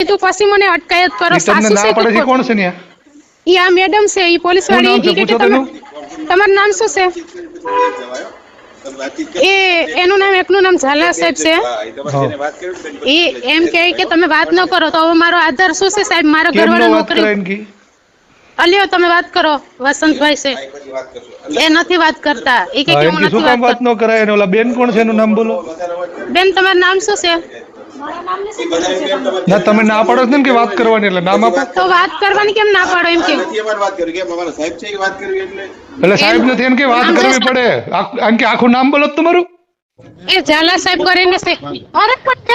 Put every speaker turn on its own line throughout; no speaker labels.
કીધું પછી મને અટકાયત કરો.
ઈ તમને ના પડે છે કોણ છે ન્યા?
ઈ આ મેડમ છે, ઈ પોલીસ
શું નામ
વાળી.
છે? પૂછો તેનું.
તમારું નામ શું છે? એનું નામ, એકનું નામ ઝાલા સાહેબ છે. એ એમ કહે કે તમે વાત ન કરો તો હવે મારો આધાર શું છે સાહેબ? મારા
કેમ નો
ઘરવાળા
વાત
નોકરી.
કરાય ને કી?
અલ્યો તમે વાત કરો. વસંતભાઈ છે એ નથી વાત કરતા. એ કે
હા,
હું
એમ કી શું
નથી
કામ
વાત
વાત નો કરાય? અને ઓલા બેન કોણ છે એનું નામ બોલો.
બેન તમારું નામ શું છે?
ના તમે ના પાડો છો ને કે વાત કરવાની, એટલે નામ આપો.
તો વાત કરવાની કેમ ના પાડો? એમ કે
એટલે સાહેબ નથી એમ કે વાત કરવી પડે. આમ કે આખું નામ બોલો તમારું.
એ ઝાલા સાહેબ કરીને છે. અરે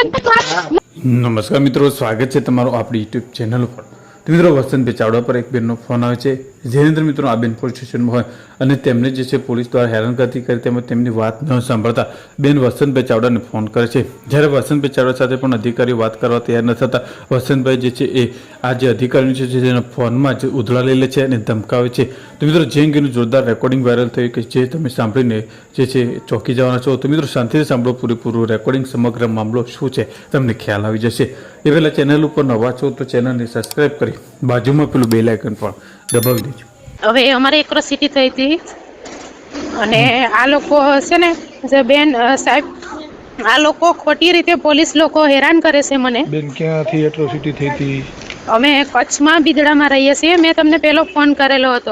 નમસ્કાર મિત્રો, સ્વાગત છે તમારું આપણી યુટ્યુબ ચેનલ ઉપર. તો મિત્રો, વસંતભાઈ ચાવડા પર એક બેનનો ફોન આવે છે, જેની અંદર મિત્રો આ બેન પોલીસ સ્ટેશનમાં હોય અને તેમને જે છે પોલીસ દ્વારા હેરાનગતિ કરી, તેમજ તેમની વાત ન સાંભળતા બેન વસંતભાઈ ચાવડાને ફોન કરે છે. જ્યારે વસંતભાઈ ચાવડા સાથે પણ અધિકારીઓ વાત કરવા તૈયાર ન થતા વસંતભાઈ જે છે એ આ જે અધિકારીઓ છે જેના ફોનમાં જ ઉધળા લઈ લે છે અને ધમકાવે છે. તો મિત્રો, જે અંગેનું જોરદાર રેકોર્ડિંગ વાયરલ થયું કે જે તમે સાંભળીને જે છે ચોંકી જવાના છો. તો મિત્રો, શાંતિથી સાંભળો પૂરેપૂરું રેકોર્ડિંગ. સમગ્ર મામલો શું છે તમને ખ્યાલ આવી જશે. એ પહેલાં ચેનલ ઉપર નવા છો તો ચેનલને સબસ્ક્રાઈબ કરી બાજુમાં પેલું બેલ આઇકન પણ દબાવી દેજો.
હવે અમારે એક્રોસિટી થઈ હતી અને આ લોકો છે ને, જે બેન સાહેબ, આ લોકો ખોટી રીતે પોલીસ લોકો હેરાન કરે છે મને.
બેન ક્યાંથી એટ્રોસિટી થઈ હતી?
અમે કચ્છમાં બિદડામાં રહીએ છીએ. મેં તમને પેલો ફોન કરેલો હતો.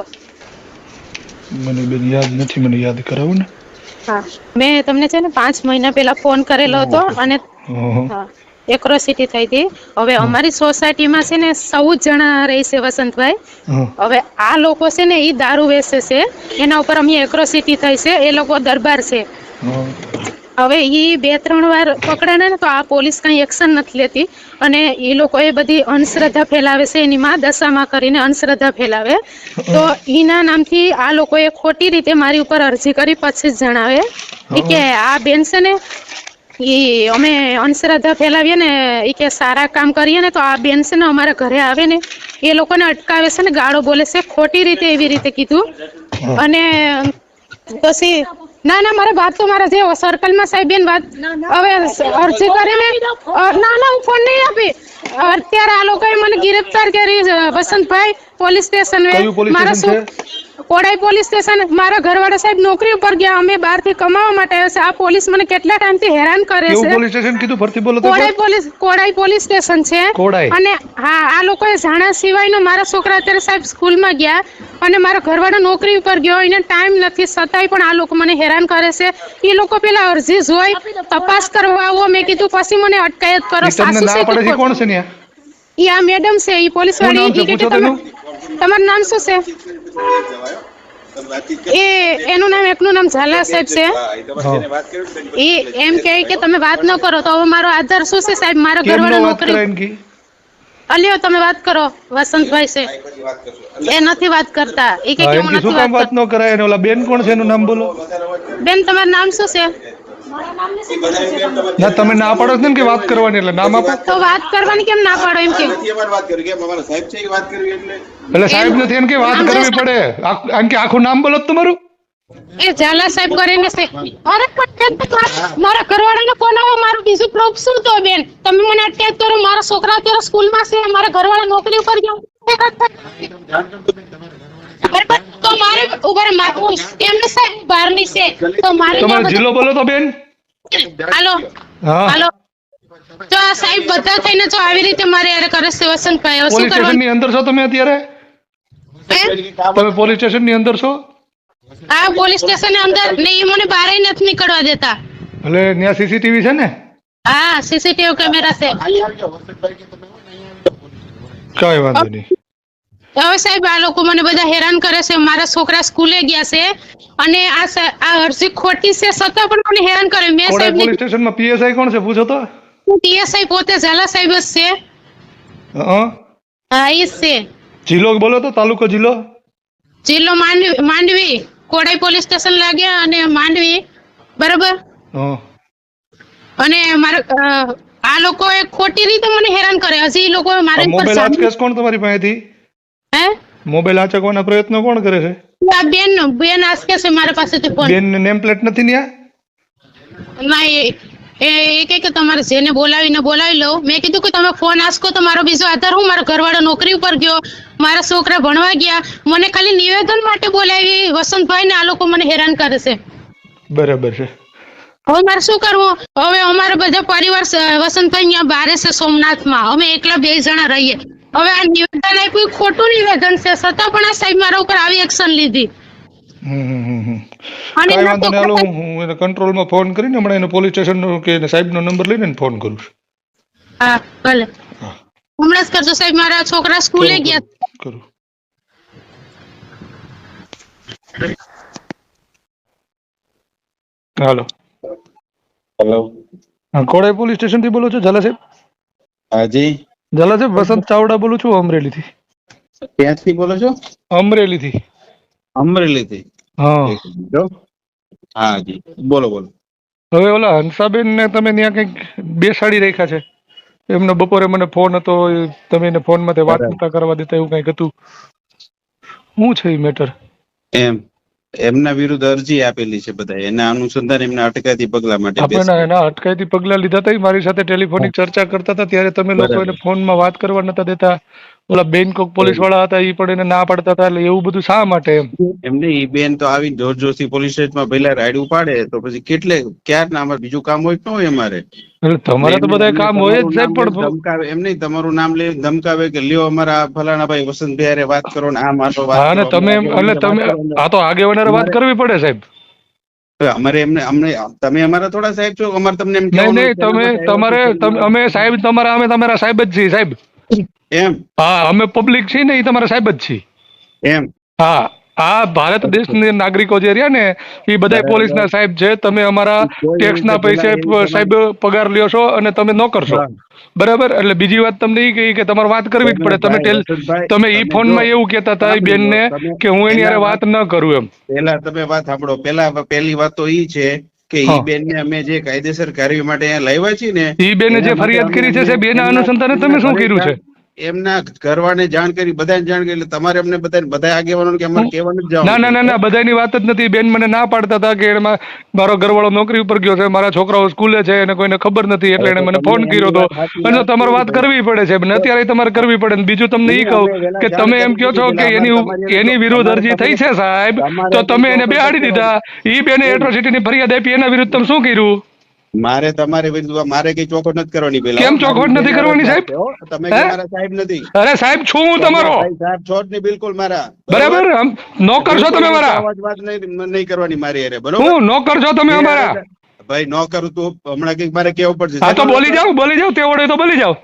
મને બેન યાદ નથી, મને યાદ કરાવો ને.
હા, મેં તમને છે ને 5 મહિના પહેલા ફોન કરેલો હતો અને હા, એક્રોસિટી થઈ હતી. હવે અમારી સોસાયટીમાં છે ને 14 જણા રહે છે વસંતભાઈ. હવે આ લોકો છે ને ઈ દારૂ વેચે છે, એના ઉપર અમે એક્રોસિટી થઈ છે. એ લોકો દરબાર છે. હવે ઈ 2-3 વાર પકડાણા ને તો આ પોલીસ કઈ એક્શન નથી લેતી અને એ લોકો એ બધી અંધશ્રદ્ધા ફેલાવે છે. એની માં દશામાં કરીને અંધશ્રદ્ધા ફેલાવે. તો ઈના નામથી આ લોકોએ ખોટી રીતે મારી ઉપર અરજી કરી. પછી જ જણાવે કે આ બેન છે ને ઈ અમે અંધશ્રદ્ધા ફેલાવીએ ને, ઈ કે સારા કામ કરીએ ને તો આ બેન છે ને અમારા ઘરે આવે ને એ લોકોને અટકાવે છે ને ગાળો બોલે છે ખોટી રીતે. એવી રીતે કીધું. અને પછી ના મારે વાત તો મારા જે સર્કલમાં સાહેબ બેન વાત હવે અરજી કરીને ના હું ફોન નહીં આપી. અત્યારે આ લોકોએ મને ગિરફ્તાર કરી વસંતભાઈ પોલીસ સ્ટેશન. મારા શું કોડાઈ પોલીસ સ્ટેશન. મારા ઘરવાળા સાહેબ નોકરી ઉપર ગયા. અમે બહારથી કમાવા માટે આવ્યા છે. આ પોલીસ મને કેટલા ટાઈમથી હેરાન કરે છે.
પોલીસ સ્ટેશન કીધું? ફરતી બોલો તો.
કોડાઈ પોલીસ સ્ટેશન છે. અને હા, આ લોકોએ જાણ્યા સિવાયનો મારા છોકરા અત્યારે સાહેબ સ્કૂલમાં ગયા અને મારા ઘરવાળો નોકરી ઉપર ગયો. એને ટાઈમ નથી, છતાંય પણ આ લોકો મને હેરાન કરે છે. એ લોકો પેલા અરજી જોઈ તપાસ કરવા આવો. મેં કીધું પછી મને અટકાયત કરો.
તમને ના પડે છે કોણ છે ન્યા?
ઈ આ મેડમ છે, ઈ પોલીસ વાળી. તમારું નામ શું છે? એનું નામ, એકનું નામ ઝાલા સાહેબ છે. એ એમ કહે કે તમે વાત ન કરો તો હવે મારો આધાર શું છે સાહેબ? મારા ઘરવાળા નોકરી. અલ્યો તમે વાત કરો. વસંતભાઈ છે એ નથી વાત કરતા. એ કે હું નથી વાત
વાત નો કરાય. અને ઓલા બેન કોણ છે એનું નામ બોલો.
બેન તમારું નામ શું છે?
ના તમે ના પાડો છો ને કે વાત કરવાની, એટલે નામ આપો.
તો વાત કરવાની કેમ ના પાડો? એમ કે
એટલે સાહેબ નથી એમ કે વાત કરવી પડે. આમ કે આખું નામ બોલો તમારું.
એ ઝાલા સાહેબ કરીને છે. અરે મારા ઘરવાળાને ફોન આવો. મારું બીજું પ્રૂફ શું? તો બેન તમે મને અટકાયત કરો. મારા છોકરા અત્યારે સ્કૂલમાં છે. મારા ઘરવાળા નોકરી ઉપર ગયા. તો મારે ઉપર મારું એમને સાહેબ બહારની છે. તો મારે
તમારો જિલ્લો બોલો તો બેન.
હાલો હાલો. તો આ સાહેબ બધા થઈને જો આવી રીતે મારે યાર કરે છે વસંતભાઈ. શું
પોલીસ સ્ટેશન ની અંદર છો તમે અત્યારે? તમે પોલીસ સ્ટેશન ની અંદર છો?
હા, પોલીસ સ્ટેશન ની અંદર નહીં. મને બહાર નથી નીકળવા દેતા.
એટલે ત્યાં સીસીટીવી છે ને?
હા, સીસીટીવી કેમેરા છે.
કઈ વાંધો નહીં.
હવે સાહેબ આ લોકો મને બધા હેરાન કરે છે. મારા છોકરા સ્કૂલે ગયા છે અને આ અરજી ખોટી છે છતાં પણ મને હેરાન કરે. મેં સાહેબ
પોલીસ સ્ટેશન માં પીએસઆઈ કોણ છે પૂછો તો?
પીએસઆઈ પોતે ઝાલા સાહેબ જ છે. હા, ઈ છે.
જિલ્લો બોલો તો. તાલુકો જિલ્લો?
જિલ્લો માંડવી. કોડાઈ પોલીસ સ્ટેશન લાગ્યા અને માંડવી. બરાબર. અને મારા આ લોકો ખોટી રીતે મને હેરાન કરે. હજી લોકો મારે
મોબાઈલ આંચકે કોણ તમારી પાસેથી?
હે?
મોબાઈલ આંચકવાના પ્રયત્નો કોણ કરે છે?
આ બેન આંચકે છે મારા પાસેથી ફોન.
બેન નેમ પ્લેટ નથી ન્યા?
નહીં, એ કે તમારે જેને બોલાવી લો. મેં કીધું કે તમે ફોન આસકો તો મારો બીજો આધાર હું, મારો ઘરવાળો નોકરી ઉપર ગયો, મારા છોકરા ભણવા ગયા, મને ખાલી નિવેદન માટે બોલાવી. વસંતભાઈ ને આ લોકો મને હેરાન કરે છે.
બરાબર છે.
હવે મારે શું કરવું? હવે અમારે બધા પરિવાર વસંતભાઈ અહીંયા બારે છે સોમનાથમાં, અમે એકલા 2 જણા રહીએ. હવે આ નિવેદન આપ્યું, ખોટું નિવેદન છે, છતાં પણ આ સાહેબ મારા ઉપર આવી એક્શન લીધી. અને
કાંઈ
ના
વાંધો
તો
નહીં, હાલો હું એને કંટ્રોલમાં ફોન કરીને હમણાં એને પોલીસ સ્ટેશનનો કે સાહેબનો નંબર લઈને એને ફોન કરું છું.
હા ભલે,
હા
હમણાં જ કરજો સાહેબ. મારા છોકરા સ્કૂલે ગયા.
કરું. હાલો.
હેલો.
હા, કોડાઈ પોલીસ સ્ટેશન થી બોલો છો ઝાલા સાહેબ?
હાજી.
ઝાલા સાહેબ, વસંત ચાવડા બોલું છું, અમરેલીથી.
ક્યાંથી બોલો છો?
અમરેલીથી.
અમરેલીથી.
હા.
એક મિનિટ હો. હાજી બોલો બોલો.
હવે ઓલા હંસાબેન ને તમે ત્યાં કંઈક બેસાડી રાખ્યા છે, એમનો બપોરે મને ફોન હતો, તમે એને ફોન માંથી વાત નતા કરવા દેતા, એવું કંઈક હતું. શું છે એ મેટર?
એમ એમના વિરુદ્ધ અરજી આપેલી છે બધા, એના અનુસંધાન એમના અટકાયતી પગલા માટે
આપણે એના અટકાયતી પગલા લીધા હતા, મારી સાથે ટેલિફોનિક ચર્ચા કરતા હતા, ત્યારે તમે લોકો એને ફોનમાં વાત કરવા નતા દેતા. ઓલા બેંકોક પોલીસ વાળા હતા, એ પણ એને ના પાડતા હતા. એટલે એવું બધું શા માટે?
એમને ઈ બેન તો આવીને જોર જોરથી પોલીસ સ્ટેશનમાં પહેલા રાઈડ ઉપાડે તો પછી કેટલે ક્યારના અમારે બીજું કામ હોય કે ન હોય અમારે?
એટલે તમારે તો બધા કામ હોય જ સાહેબ, પણ
ધમકાવે એમ નહીં, તમારું નામ લઈ ધમકાવે કે લ્યો અમારા ફલાણા ભાઈ વસંતભાઈ હારે વાત કરો ને આ મારો વાત
હા, ને તમે એટલે તમે આ તો આગેવાનારે વાત કરવી પડે સાહેબ.
અમારે એમને અમને તમે અમારા થોડા સાહેબ છો, અમારે તમને એમ
નહીં નહીં, તમે તમારે અમે સાહેબ તમારા, અમે તમારા સાહેબ જ છીએ સાહેબ.
એમ?
હા, અમે પબ્લિક છીએ ને, એ તમારા સાહેબ જ છીએ.
એમ?
હા, આ ભારત દેશના નાગરિકો જે રહ્યા ને, એ બધા પોલીસના સાહેબ છે. તમે અમારા ટેક્સના પૈસે સાહેબ પગાર લ્યો છો અને તમે નોકર છો, બરાબર? એટલે બીજી વાત તમને એ કહી કે તમારે વાત કરવી જ પડે. તમે ઈ ફોનમાં એવું કહેતા હતા એ બેનને કે હું એની હારે વાત ન કરું એમ.
પેલા તમે વાત સાંભળો. પહેલી વાત તો ઈ છે કે ઈ બેન ને અમે જે કાયદેસર કાર્ય માટે અહીંયા લાવ્યા છીએ ને,
ઈ બેને જે ફરિયાદ કરી છે સાહેબ, એના અનુસંધાને તમે શું કર્યું છે?
એમના ઘરવાળાને જાણ કરી, બધાને જાણ કરી, એટલે તમારે અમને બધા આગેવાનો કે અમારે કહેવાનું જ
ના ના ના ના, બધાની વાત જ નથી. બેન મને ના પાડતા હતા કે એમાં મારો ઘરવાળો નોકરી ઉપર ગયો છે, મારા છોકરાઓ સ્કૂલે છે, એને કોઈને ખબર નથી, એટલે એને મને ફોન કર્યો હતો. અને તમારે વાત કરવી પડે છે, અત્યારે તમારે કરવી પડે. બીજું તમને ઈ કહું કે તમે એમ કહો છો કે એની વિરુદ્ધ અરજી થઈ છે સાહેબ, તો તમે એને બેહાડી દીધા. ઈ બેને એટ્રોસિટીની ફરિયાદ આપી, એના વિરુદ્ધ તમે શું કર્યું?
મારે તમારે વિરુદ્ધ મારે કઈ ચોખવટ નથી કરવાની. પેલા
કેમ ચોખવટ નથી કરવાની સાહેબ?
તમે મારા સાહેબ નથી.
અરે સાહેબ છું હું તમારો,
સાહેબ છો જ નહીં બિલકુલ મારા,
બરાબર? નોકર છો તમે મારા,
વાત નહીં કરવાની મારી હારે, બરોબર?
હું નોકર છો તમે અમારા
ભાઈ. નો કરું તું હમણાં કઈક મારે કેવું પડશે.
હા તો બોલી જાઓ તે વડે તો બોલી જાઓ.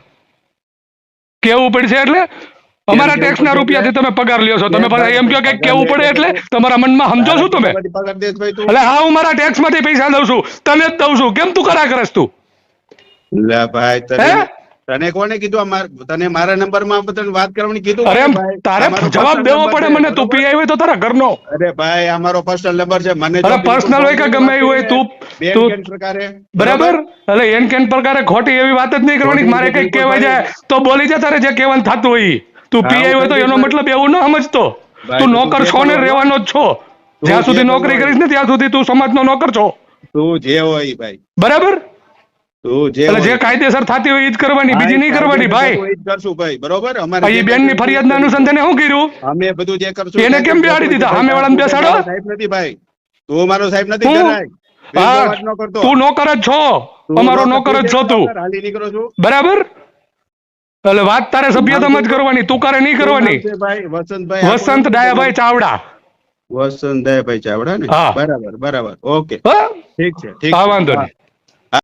કેવું પડશે એટલે અમારા ટેક્સ ના રૂપિયાથી તમે પગાર લ્યો છો, તમે પાછા એમ કહો કે કેવું પડે એટલે તમારા મનમાં સમજો છો તમે? એટલે હા, હું મારા ટેક્સ માંથી પૈસા દઉં છું, તને જ દઉં છું. કેમ તું કરા કરસ તું?
લે ભાઈ, તને કોને કીધું? તને મારા નંબર માં તને વાત કરવાની કીધું?
અરે તારે જવાબ દેવો પડે મને. તું પીઆઈ હોય તો તારા ઘરનો.
અરે ભાઈ, આ મારો પર્સનલ નંબર છે. મને
પર્સનલ હોય કે ગમે એવું હોય, તું
પ્રકારે
બરાબર. એટલે એન કેન પ્રકારે ખોટી એવી વાત જ નહીં કરવાની. મારે કઈક કહેવાય જાય તો બોલી જા, તારે જે કહેવાનું થતું હોય. તું પીઆઈ હોય તો એનો મતલબ એવું ન સમજતો. તું નોકર છો ને રહેવાનો જ છો. જ્યાં સુધી નોકરી કરીશ ને ત્યાં સુધી તું સમાજનો નોકર છો.
તું જે હોય ભાઈ,
બરાબર?
તું
જે કાયદેસર થતી હોય એ જ કરવાની, બીજી નહીં કરવાની ભાઈ.
કરશું ભાઈ, બરોબર? અમારે
એ બેન ની ફરિયાદ ના અનુસંધાને શું કર્યું?
અમે બધું જે કરશું.
એને કેમ બેહાડી દીધા? સામે વાળાને બેસાડો.
સાહેબ નથી ભાઈ, તું મારો સાહેબ નથી.
તું નોકર જ છો, અમારો નોકર જ છો તું,
હાલી નીકળો છું,
બરાબર? એટલે વાત તારે સભ્યતામાં જ કરવાની, તું કરે નહીં કરવાની. વસંત ડાયાભાઈ ચાવડા.
વસંત ડાયાભાઈ ચાવડા ને? બરાબર બરાબર, ઓકે, ઠીક છે, ઠીક.
વાંધો નહીં.